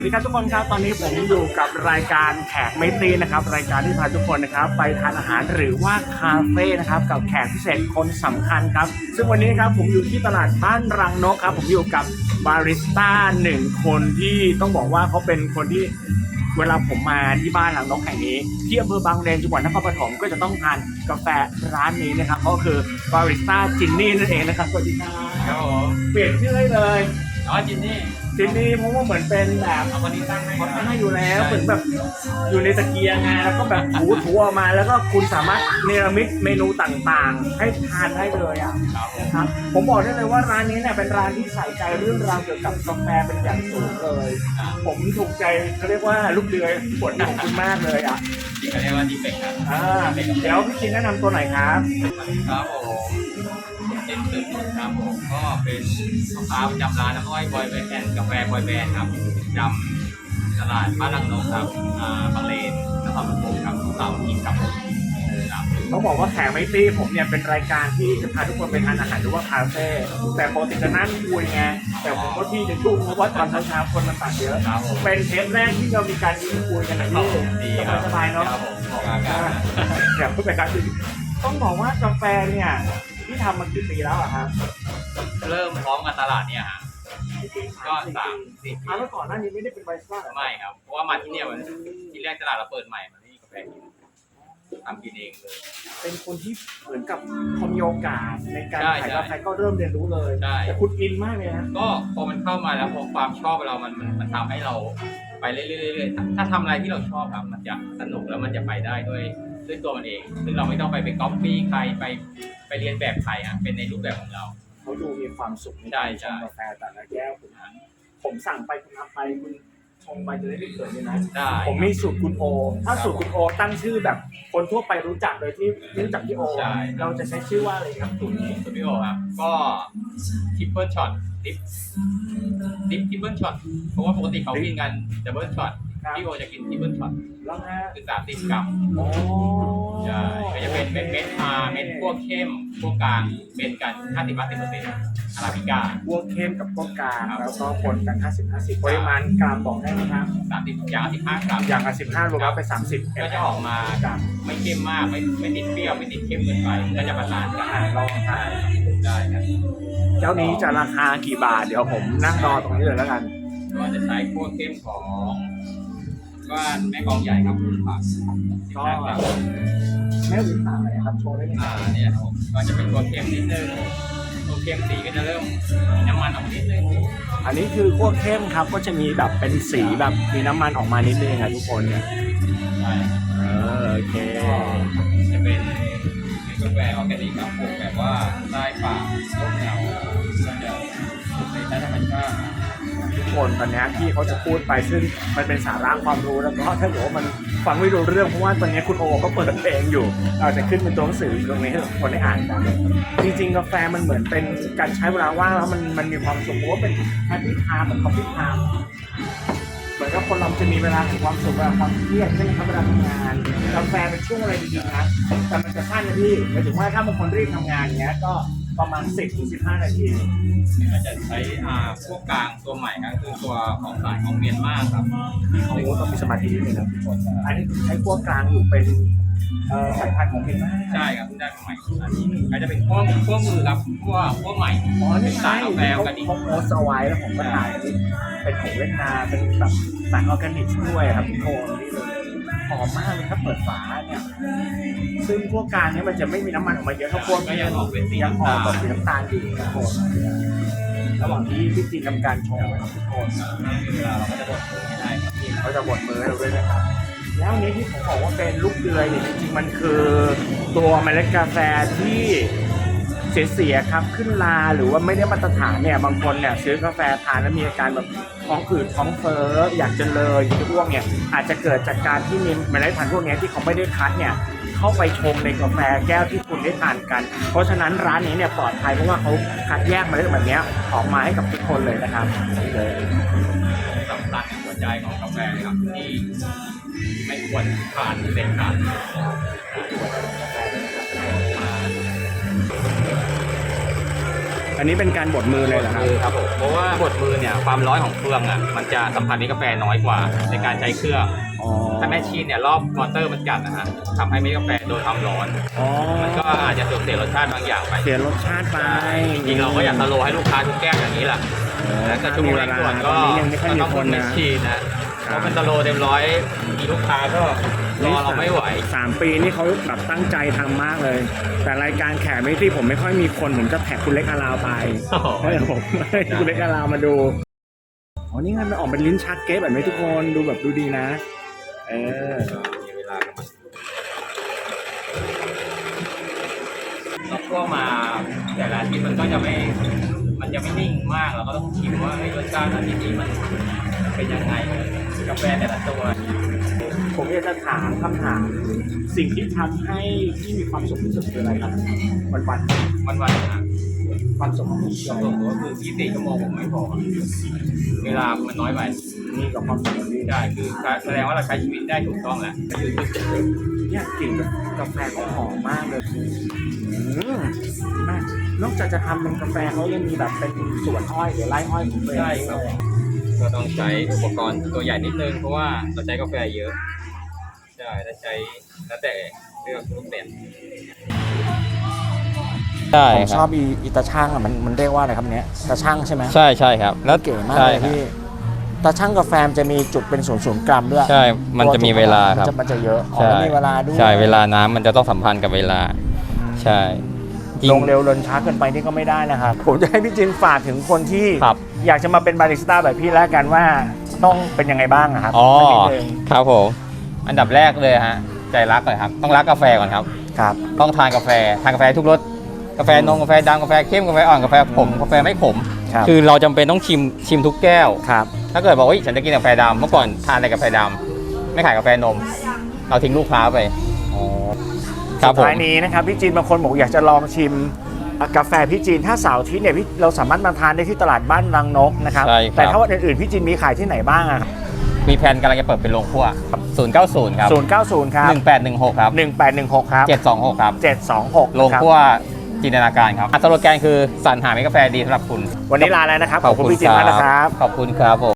สวัสดีครับทุกคนครับตอนนี้ผมอยู่กับรายการแขกไม่ตีนะครับรายการที่พาทุกคนนะครับไปทานอาหารหรือว่าคาเฟ่นะครับกับแขกพิเศษคนสำคัญครับซึ่งวันนี้ครับผมอยู่ที่ตลาดบ้านรังนกครับผมอยู่กับบาริสต้าหนึ่งคนที่ต้องบอกว่าเขาเป็นคนที่เวลาผมมาที่บ้านรังนกแห่งนี้ที่อำเภอบางเลนจังหวัดนครปฐมก็จะต้องทานกาแฟร้านนี้นะครับก็คือบาริสต้าจินนี่นั่นเองนะครับสวัสดีครับครับผมเปลี่ยนชื่อให้เลยจินนี่เพราะว่าเหมือนเป็นแบบเอาวันนี้ตั้งให้เขาตั้งให้อยู่แล้วเหมือนแบบอยู่ในตะเกียงไงแล้วก็แบบถูออกมาแล้วก็คุณสามารถเนรมิตเมนูต่างๆให้ทานได้เลยอ่ะนะครับผมบอกได้เลยว่าร้านนี้เนี่ยเป็นร้านที่ใส่ใจเรื่องราวเกี่ยวกับกาแฟเป็นอย่างสูงเลยผมถูกใจเขาเรียกว่าลูกเรือปวดของคุณมากเลยอ่ะที่เขาเรียกว่าดีเฟกครับเดี๋ยวพี่ชินแนะนำตัวหน่อยครับครับผมเป็นตื่นครับผมก็เป็นลูกค้าประจำร้านน้ำอ้อยบอยแบนด์กาแฟบอยแบนด์ครับจำตลาดบ้านรังนกครับบางเลนนครปฐมครับเสาร์อาทิตย์ครับผมต้องบอกว่าแขกไม่ตีผมเนี่ยเป็นรายการที่จะพาทุกคนไปทานอาหารหรือว่าคาเฟ่แต่ปกติจะนั่งคุยไงแต่ผมก็ที่จะยุ่งเพราะว่าตอนเช้าคนมันตัดเยอะเป็นเทปแรกที่เรามีการคุยกันนะพี่สบายเนาะอยากพูดไปกันต้องบอกว่ากาแฟเนี่ยที่ทำมากี่ปีแล้วอะครับเริ่มพร้อมกับตลาดเนี่ยฮะก็30 ปีแล้วก่อนหน้านี้ไม่ได้เป็นไบสต้าไม่ครับเพราะว่ามาที่เนี่ยที่แรกตลาดเราเปิดใหม่มันไม่มีกาแฟกินทำกินเองเลยเป็นคนที่เหมือนกับพอมีโอกาสในการขายกาแฟก็เริ่มเรียนรู้เลยแต่คุณอินมากเลยนะก็พอมันเข้ามาแล้วพอความชอบเรามันทำให้เราไปเรื่อยๆถ้าทำอะไรที่เราชอบครับมันจะสนุกแล้วมันจะไปได้ด้วยตัวมันเองซึ่งเราไม่ต้องไปก๊อปปี้ใครไปเรียนแบบใครอ่ะเป็นในรูปแบบของเราเขาดูมีความสุขในการชงกาแฟแต่ละแก้วผมสั่งไปคุณทำไปคุณชงไปจะได้ไม่เกิดเลยนะผมมีสูตรคุณโอถ้าสูตรคุณโอตั้งชื่อแบบคนทั่วไปรู้จักโดยที่รู้จักพี่โอเราจะใช้ชื่อว่าอะไรครับสูตรนี้สูตรพี่โอครับก็ทริปเปิลช็อตดิฟทริปเปิลช็อตเพราะว่าปกติเขากินกันดับเบิลช็อตพี่โอจะกินทริปเปิลช็อตแล้วนะคือ30 กรัมใช่ก็จะเป็นเม็ดพวกเข้มพวกกลางเป็นกัน50-50%อาราบิก้าพวกเข้มกับพวกกลางแล้วก็คนกัน50-50ปริมาณกรัมบอกได้ไหมครับ 30อย่าง15 กรัมอย่าง15รวมแล้วเป็น30 ก็จะออกมาไม่เข้มมากไม่ติดเปรี้ยวไม่ติดเข้มเกินไปก็จะประสานกันลองทานได้ครับเจ้านี้จะราคากี่บาทเดี๋ยวผมนั่งรอตรงนี้เลยแล้วกันก็จะใช้พวกเข้มของก็แม่กองใหญ่ครับผักก็แม่หรือผักอะไรครับโชว์ได้ไหมเนี่ยก็จะเป็นตัวเข้มนิดนึงตัวเข้มสีก็จะเริ่มน้ำมันออกนิดนึงอันนี้คือขั้วเข้มครับก็จะมีแบบเป็นสีแบบมีน้ำมันออกมานิดนึงครับทุกคนเนี่ยโอเคจะเป็นกาแฟออร์แกนิกครับปลูกแบบว่าใต้ป่าต้นเงาก็จะในใต้ธรรมชาติทุกคนตอนนี้ที่เขาจะพูดไปซึ่งมันเป็นสาระความรู้แล้วก็ถ้าเกิดว่ามันฟังไม่รู้เรื่องเพราะว่าตอนนี้คุณโอก็เปิดเพลงอยู่เราจะขึ้นเป็นตัวหนังสือตรงนี้ให้ทุกคนได้อ่านกันจริงๆกาแฟมันเหมือนเป็นการใช้เวลาว่างแล้วมันมีความสุขเพราะว่าเป็นแฮปปี้ไทม์เหมือนคอฟฟี่ไทม์เหมือนกับคนเราจะมีเวลาแห่งความสุขเวลาความเครียดใช่ไหมครับเวลาทำงานกาแฟเป็นช่วงอะไรดีๆนะแต่มันจะสั้นนะพี่หมายถึงว่าถ้าบางคนรีบทำงานเงี้ยก็ประมาณ10-15 นาทีก็จะใช้พวกกลางตัวใหม่ก็คือตัวของสายของเมียนมาครับเขาต้องมีสมาธินิดนึงนะทุกคนอันนี้ใช้พวกกลางอยู่เป็นสายพันธุ์ของเมียนมาใช่ครับได้ใหม่อันนี้ก็จะเป็นพวกมือครับพวกใหม่เป็นสายกาแฟกันเขาโพสเอาไว้แล้วผมก็ถ่ายเป็นของเวียดนามเป็นแบบสายออร์แกนิกด้วยครับทุกคนนี่เลยหอมมากเลยถ้าเปิดฝาเนี่ยซึ่งพวกกลางเนี่ยมันจะไม่มีน้ำมันออกมาเยอะเท่าพวกก็ยังออกเป็นสีน้ำตาลแบบสีน้ำตาลอยู่ทุกคนระหว่างที่พี่จีนทำการชงทุกคนเวลาเราก็จะบดมือให้ได้ครับทีมเขาจะบดมือให้เราด้วยนะครับแล้วนี้ที่ผมบอกว่าเป็นลูกเดือยเนี่ยจริงๆมันคือตัวเมล็ดกาแฟที่เสียครับขึ้นลาหรือว่าไม่ได้มาตรฐานเนี่ยบางคนเนี่ยซื้อกาแฟทานแล้วมีอาการแบบท้องอืดท้องเฟ้ออยากจะเลยที่พวกเนี่ยอาจจะเกิดจากการที่มีเมล็ดพันธุ์พวกนี้ที่เขาไม่ได้คัดเนี่ยเข้าไปชงในกาแฟแก้วที่คุณได้ทานกันเพราะฉะนั้นร้านนี้เนี่ยปลอดภัยเพราะว่าเขาคัดแยกเมล็ดแบบนี้ออกมาให้กับทุกคนเลยนะครับนี่เลยสำคัญหัวใจของกาแฟครับที่ไม่ควรผ่านเด็ดขาดแอันนี้เป็นการบดมือเลยเหรอครับมือครับผมเพราะว่าบดมือเนี่ยความร้อนของเครื่องอ่ะมันจะสัมผัสเม็ดกาแฟน้อยกว่าในการใช้เครื่องอ๋อถ้าแมชชีนเนี่ยรอบมอเตอร์มันจัดนะฮะทำให้เม็ดกาแฟโดนความร้อนอ๋อมันก็อาจจะเสียรสชาติบางอย่างไปเสียรสชาติไปจริงๆเราก็อยากสโลว์ให้ลูกค้าทุกแก้วอย่างนี้แหละแล้วแต่ช่วงเร่งด่วนก็ตอนนี้ยังไม่ค่อยมีต้องคนแมนะชชีนนะเพราะมันสโลว์เต็มร้อยมีลูกค้าก็รอเราไม่ไหว 3 ปีนี่เขาแบบตั้งใจทำมากเลย แต่รายการแขกไม่ที่ผมไม่ค่อยมีคนผมจะแท็กคุณเล็กอาราวไปโอ้โหให้ผมให้คุณเล็กอาราวมาดูอ๋อนี่ไงมันออกเป็นลิ้นชักเก๊แบบนี้ทุกคนดูแบบดูดีนะเออมีเวลากันมาเราพวกมาแต่ละอาที่มันก็จะไม่นิ่งมากเราก็ต้องชิมว่าเฮ้ยรสชาติอาทิตย์นี้มันเป็นยังไงกาแฟแต่ละตัวผมอยากจะถามคำถามสิ่งที่ทำให้ที่มีความสุขที่สุดคืออะไรครับวันวันๆนะๆความสุขของพี่ชั่วโมงก็คือ24 ชั่วโมงผมไม่พอเวลามันน้อยไปนี่กับความสุขของพี่ได้คือแสดงว่าเราใช้ชีวิตได้ถูกต้องแล้วก็คือจุดเด่นเนี่ยกลิ่นกาแฟเขาหอมมากเลยมากนอกจากจะทำเป็นกาแฟเขายังมีแบบเป็นสวนอ้อยหรือไร่อ้อยของตัวเองใช่ครับก็ต้องใช้อุปกรณ์ตัวใหญ่นิดนึงเพราะว่าเราใช้กาแฟเยอะใช่ถ้าใช้แล้วแต่เลือกรูปแบบใช่ผมคชรัอบบ อีตาช่างอ่ะมันเรียกว่าอะไรครับเนี้ยตาช่างใช่ไหมใช่ใช่ครับแล้วเก๋มากเลยพี่ตาช่างกาแฟมันจะมีจุดเป็น0.0 กรัมด้วยใช่ มันจะมีเวลาครับมันจะเยอะอ๋อใช่แล้วมีเวลาด้วยใช่เวลาน้ำมันจะต้องสัมพันธ์กับเวลา ใช่จริลงเร็วลนช้าเกินไปนี่ก็ไม่ได้นะครับผมจะให้พี่จินฝากถึงคนที่ครับอยากจะมาเป็นบาริสต้าแบบพี่แล้วกันว่าต้องเป็นยังไงบ้างอะครับอ๋อสักนิดนึงครับผมอันดับแรกเลยฮะใจรักเลยครับต้องรักกาแฟก่อนครับครับต้องทานกาแฟทุกรสกาแฟนมกาแฟดำกาแฟเข้มกาแฟอ่อนกาแฟขมกาแฟไม่ขมครับคือเราจำเป็นต้องชิมทุกแก้วครับถ้าเกิดบอกว่าฉันจะกินกาแฟดำเมื่อก่อนทานแต่กาแฟดำไม่ขายกาแฟนม เราทิ้งลูกค้าไปครับสุดผมท้ายนี้นะครับพี่จีนบางคนบอกอยากจะลองชิมกาแฟพี่จีนถ้าเสาร์อาทิตย์เนี่ยเราสามารถมาทานได้ที่ตลาดบ้านรังนกนะครับใช่ครับแต่ถ้าวันอื่นๆพี่จีนมีขายที่ไหนบ้างอะครับมีแผนกำลังจะเปิดเป็นโรงครัว090ครับ 090 ครับ 1816ครับ 1816 ครับ 726ครับ 726 โรงครัวจินตนาการครับสโลแกนคือสรรหาเมล็ดกาแฟดีสำหรับคุณวันนี้ลาแล้วนะครับ ขอบคุณพี่จีนมากนะครับขอบคุณครับผม